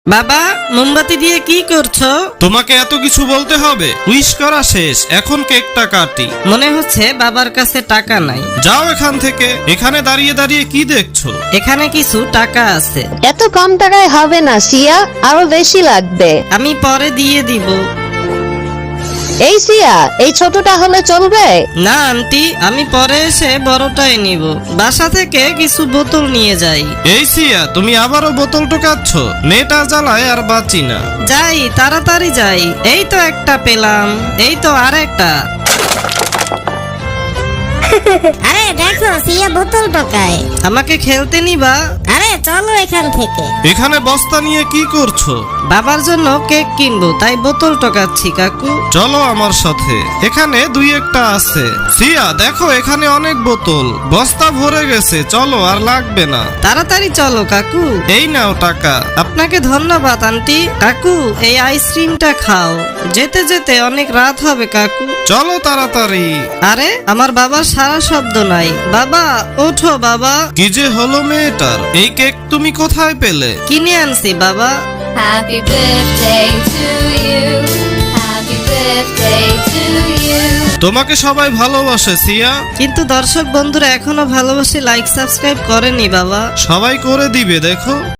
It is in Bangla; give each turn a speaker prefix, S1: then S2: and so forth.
S1: বাবা, মোমবাতি দিয়ে কি করছো?
S2: তোমাকে এত কিছু বলতে হবে? উইশ করা শেষ, এখন কেকটা কাটি।
S1: মনে হচ্ছে বাবার কাছে টাকা নাই।
S2: যাও এখান থেকে। এখানে দাঁড়িয়ে দাঁড়িয়ে কি দেখছো?
S1: এখানে কিছু টাকা আছে,
S3: এত কম টাকায় হবে না সিয়া, আরো বেশি লাগবে।
S1: আমি পরে দিয়ে দিব।
S3: এই সিয়া, এই ছোটটা হলে চলবে?
S1: না আন্টি, আমি পরে এসে বড়টাই নিব। বাসা থেকে কিছু বোতল নিয়ে যাই।
S2: এই সিয়া, তুমি আবারও বোতল টোকাচ্ছ। মেয়েটা জ্বালায় আর বাঁচি না।
S1: যাই, তাড়াতাড়ি যাই। এই তো একটা পেলাম, এই তো আরেকটা।
S4: আরে দেখো সিয়া বোতল টোকায়।
S1: আমাকে খেলতে নিবা?
S4: আরে চলো এখান থেকে।
S2: এখানে বস্তা নিয়ে কি করছো?
S1: বাবার জন্য কেক কিনবো, তাই বোতল টোকাচ্ছি কাকু।
S2: চলো আমার সাথে, এখানে দুই একটা আছে। সিয়া দেখো, এখানে অনেক বোতল, বস্তা ভরে গেছে। চলো, আর লাগবে না।
S1: তাড়াতাড়ি চলো কাকু।
S2: এই নাও টাকা।
S1: আপনাকে ধন্যবাদ আন্টি। কাকু, এই আইসক্রিমটা খাও। যেতে যেতে অনেক রাত হবে কাকু।
S2: চলো তাড়াতাড়ি।
S1: আরে আমার বাবার সারা শব্দ নাই। বাবা ওঠো বাবা।
S2: কি যে হলো মেয়েটার? এই কেক তুমি কোথায় পেলে?
S1: কিনে আনছি বাবা।
S5: Happy birthday to you. Happy birthday to you.
S2: তোমাকে সবাই ভালোবাসে সিয়া।
S1: কিন্তু দর্শক বন্ধুরা এখনো ভালোবাসে লাইক সাবস্ক্রাইব করেনি বাবা।
S2: সবাই করে দিবে দেখো।